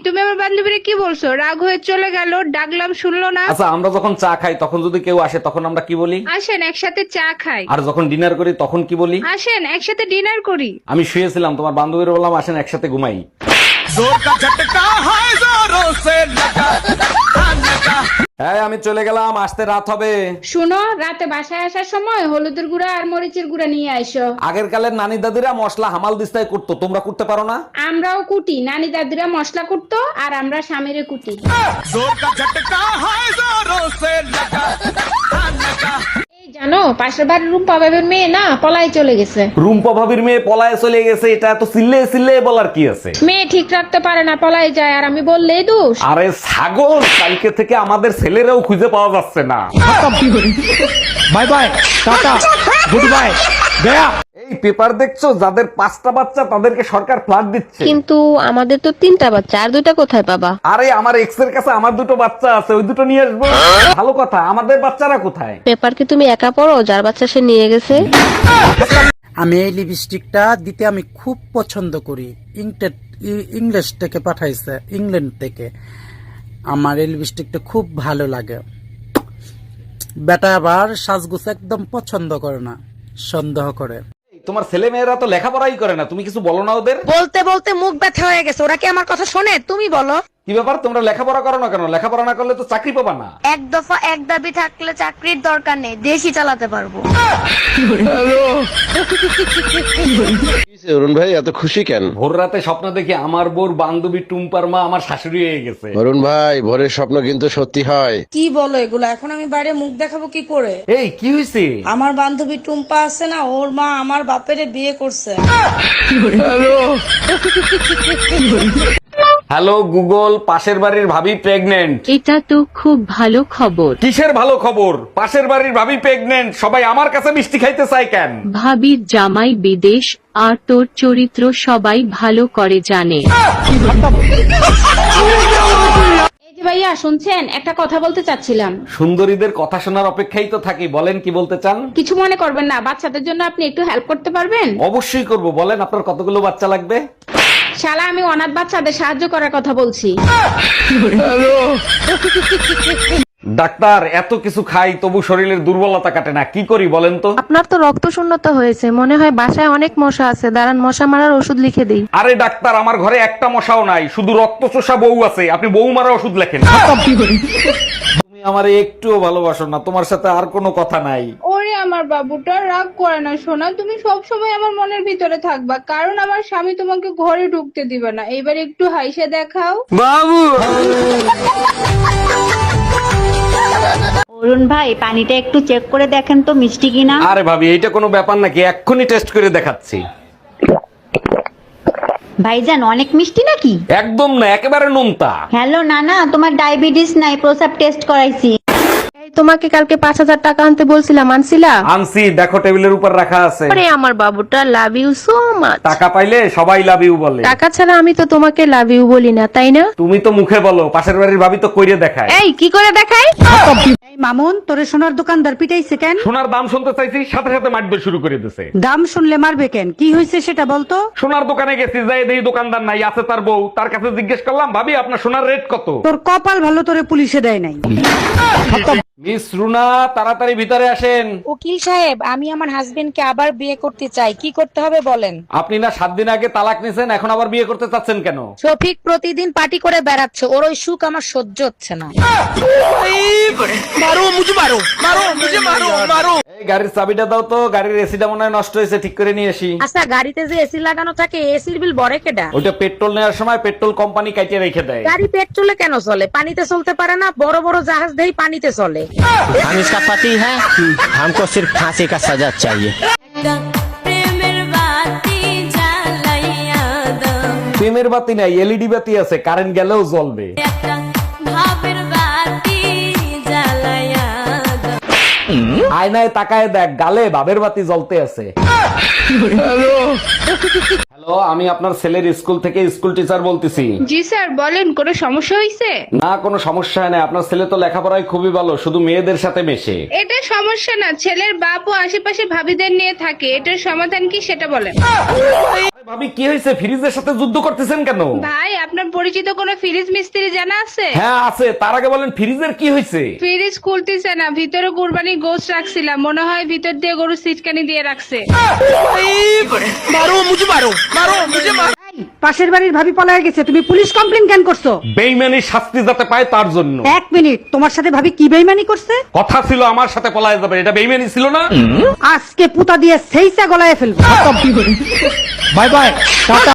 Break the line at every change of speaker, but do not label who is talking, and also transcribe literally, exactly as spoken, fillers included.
তুমি আমার বান্ধবীরে কি বলছো? রাগ হয়ে চলে গেল, ডাকলাম শুনলো না।
আচ্ছা, আমরা যখন চা খাই তখন যদি কেউ আসে তখন আমরা কি বলি?
আসেন একসাথে চা খাই।
আর যখন ডিনার করি তখন কি বলি?
আসেন একসাথে ডিনার করি।
আমি শুয়েছিলাম, তোমার বান্ধবীর বললাম আসেন একসাথে ঘুমাই। হ্যাঁ, আমি চলে গেলাম, আসতে রাত হবে।
শুনো, রাতে বাসায় আসার সময় হলুদের গুঁড়া আর মরিচের গুঁড়া নিয়ে আইসো।
আগের কালের নানি দাদিরা মশলা হামাল দিস্তায় করতো, তোমরা করতে পারো না?
আমরাও কুটি, নানি দাদিরা মশলা কুটতো আর আমরা স্বামীরে কুটি। এই জানো, পাশের বাড়ির রুম্পা বাবের মেয়ে না পলাই চলে গেছে।
রুম্পা ভাবির মেয়ে পলায়ে চলে গেছে, এটা এত চিল্লে চিল্লে বলার কি আছে?
মেয়ে ঠিক রাখতে পারে না, পলাই যায়, আর আমি বললেই দোষ।
আরে ছাগল, কালকে থেকে আমাদের ছেলেরাও খুঁজে পাওয়া যাচ্ছে না।
Bye bye, tata, good bye, গয়া।
এই পেপার দেখছো, যাদের পাঁচটা বাচ্চা তাদেরকে সরকার ফ্ল্যাট দিচ্ছে।
কিন্তু আমাদের তো তিনটা বাচ্চা, আর দুইটা কোথায় পাবা?
আরে আমার এক্স এর কাছে আমার দুটো বাচ্চা আছে, ওই দুটো নিয়ে আসবো। ভালো কথা, আমাদের বাচ্চারা কোথায়?
পেপার কি তুমি একা পড়ো? যার বাচ্চা সে নিয়ে গেছে।
আমি এই লিপস্টিকটা দিতে আমি খুব পছন্দ করি। ইংটেড ইংলিশ থেকে পাঠাইছে, ইংল্যান্ড থেকে। আমার এই লিপস্টিকটা খুব ভালো লাগে। বেটা আবার সাজগুজ একদম পছন্দ করে না, সন্দেহ করে।
তোমার ছেলে মেয়েরা তো লেখাপড়াই করে না, তুমি কিছু বলো না ওদের?
বলতে বলতে মুখ ব্যথা হয়ে গেছে, ওরা কি আমার কথা শোনে? তুমি বলো।
কি ব্যাপার, তোমরা লেখাপড়া করো না কেন? লেখাপড়া না করলে তো চাকরি পাবা না।
এক দফা এক দাবি থাকলে চাকরির দরকার নেই, দেশই চালাতে পারবো।
অরুণ ভাই এত খুশি কেন?
ভোর রাতে স্বপ্ন দেখি আমার বোর বান্ধবী টুম্পার মা আমার শাশুড়ি হয়ে গেছে।
অরুণ ভাই, ভোরের স্বপ্ন কিন্তু সত্যি হয়।
কি বলো এগুলো? এখন আমি বাইরে মুখ দেখাবো কি করে?
এই কি হয়েছে?
আমার বান্ধবী টুম্পা আছে না, ওর মা আমার বাপেরে বিয়ে করছে।
হ্যালো গুগল, পাশের বাড়ির ভাবি প্রেগনেন্ট।
এটা তো খুব ভালো খবর।
কিসের ভালো খবর? পাশের বাড়ির ভাবি প্রেগনেন্ট, সবাই আমার কাছে মিষ্টি খাইতে চায় কেন?
ভাবির জামাই বিদেশ, আর তোর চরিত্র সবাই ভালো করে জানে।
এই যে ভাইয়া শুনছেন, একটা কথা বলতে চাচ্ছিলাম।
সুন্দরীদের কথা শোনার অপেক্ষাই তো থাকি, বলেন কি বলতে চান?
কিছু মনে করবেন না, বাচ্চাদের জন্য আপনি একটু হেল্প করতে পারবেন?
অবশ্যই করব, বলেন আপনার কতগুলো বাচ্চা লাগবে?
শালা, আমি অনাথ বাচ্চাদের সাহায্য করার কথা বলছি।
ডাক্তার, এত কিছু খাই তবু শরীরের দুর্বলতা কাটে না, কি করি বলেন তো?
আপনার তো রক্ত শূন্যতা হয়েছে, মনে হয় বাসায় অনেক মশা আছে, দাঁড়ান মশা মারার ওষুধ লিখে দিই।
আরে ডাক্তার, আমার ঘরে একটা মশাও নাই, শুধু রক্ত চোষা বউ আছে, আপনি বউ মারা ওষুধ লেখেন। তুমি আমারে একটুও ভালোবাসো না, তোমার সাথে আর কোনো কথা নাই।
ওরে আমার বাবুটা, রাগ করে না সোনা, তুমি সব সময় আমার মনের ভিতরে থাকবা, কারণ আমার স্বামী তোমাকে ঘরে ঢুকতে দিবে না। এবার একটু হাইসে দেখাও।
অরুণ ভাই, পানিটা একটু চেক করে দেখেন তো মিষ্টি কিনা।
আরে ভাবি, এইটা কোনো ব্যাপার নাকি? এক্ষুনি টেস্ট করে দেখাচ্ছি।
ভাইজান, অনেক মিষ্টি নাকি?
একদম না, একেবারে নোনতা।
হ্যালো নানা, তোমার ডায়াবেটিস নাই, প্রসাব টেস্ট করাইছি।
এই তোমাকে কালকে পাঁচ হাজার টাকা আনতে বলছিলাম, আনছিলা?
আনছি, দেখো টেবিলের উপর রাখা আছে।
আরে আমার বাবুটা, লাভ ইউ সো মাচ।
টাকা পাইলে সবাই লাভ ইউ বলে।
টাকা ছাড়া আমি তো তোমাকে লাভ ইউ বলি না, তাই না?
তুমি তো মুখে বলো, পাশের বাড়ির ভাবি তো কইরে দেখায়।
এই কি করে দেখাই?
এই মামুন, তোরে সোনার দোকানদার পিটাইছে কেন?
সোনার দাম শুনতে চাইছি, সাথে সাথে মাটবে শুরু করে দিছে।
দাম শুনলে মারবে কেন? কি হয়েছে সেটা বলতো।
সোনার দোকানে গেছি, যাই দেখি দোকানদার নাই, আছে তার বউ। তার কাছে জিজ্ঞেস করলাম, ভাবি আপনার সোনার রেট কত?
তোর কপাল ভালো, তোরে পুলিশে দেয় নাই।
মিস রুনা, তাড়াতাড়ি ভিতরে আসেন।
উকিল সাহেব, আমি আমার হাজবেন্ডকে আবার বিয়ে করতে চাই, কি করতে হবে বলেন?
আপনি না সাত দিন আগে তালাক নিছেন, এখন আবার বিয়ে করতে চাচ্ছেন কেন?
শফিক প্রতিদিন পার্টি করে বেড়াচ্ছে, ওর ওই সুখ আমার সহ্য হচ্ছে না।
এই গাড়ির চাবিটা দাও তো, গাড়ির এসিটা মনে হয় নষ্ট হয়েছে, ঠিক করে নিয়ে আসি।
আচ্ছা, গাড়িতে যে এসি লাগানো থাকে, এসির বিল বড় কেডা?
ওইটা পেট্রোল নেওয়ার সময় পেট্রোল কোম্পানি কাটিয়ে রেখে দেয়।
গাড়ি পেট্রোলে কেন চলে? পানিতে চলতে পারে না? বড় বড় জাহাজ দেই পানিতে চলে।
हम इसका पति है, हमको सिर्फ फांसी का सजा चाहिए।
প্রেমের বাতি নাই, এলইডি বাতি আছে, কারেন্ট গেলেও জ্বলবে। আয়নায় তাকায় দেখ, গালে ভাবের বাতি জ্বলতে আছে। হ্যালো হ্যালো, আমি আপনার ছেলের স্কুল থেকে স্কুল টিচার বলতেছি।
জি স্যার বলেন, কোনো সমস্যা হয়েছে?
না, কোনো সমস্যা নেই, আপনার ছেলে তো লেখাপড়ায় খুবই ভালো, শুধু মেয়েদের সাথে মেশে।
এটা সমস্যা না, ছেলের বাপ ও আশেপাশে ভাবিদের নিয়ে থাকে, এটার সমাধান কি সেটা বলেন।
আরে ভাবি, কি হয়েছে? ফ্রিজের সাথে যুদ্ধ করতেছেন কেন?
ভাই, আপনার পরিচিত কোনো ফ্রিজ মিস্ত্রি জানা আছে?
হ্যাঁ আছে, তার আগে বলেন ফ্রিজের কি হয়েছে?
ফ্রিজ খুলতেছে না, ভিতরে কুরবানি গোশত রাখছিলাম, মনে হয় ভিতর দিয়ে গরু সিটকানি দিয়ে রাখছে।
পাশের বাড়ির ভাবি পলায় গেছে, তুমি পুলিশ কমপ্লেন কেন করছো?
বেইমানি শাস্তি যাতে পায় তার জন্য।
এক মিনিট, তোমার সাথে ভাবি কি বেইমানি করছে?
কথা ছিল আমার সাথে পলায় যাবে, এটা বেইমানি ছিল না?
আজকে পুতা দিয়ে সেইসা গলায় ফেলবো।
Bye bye, tata.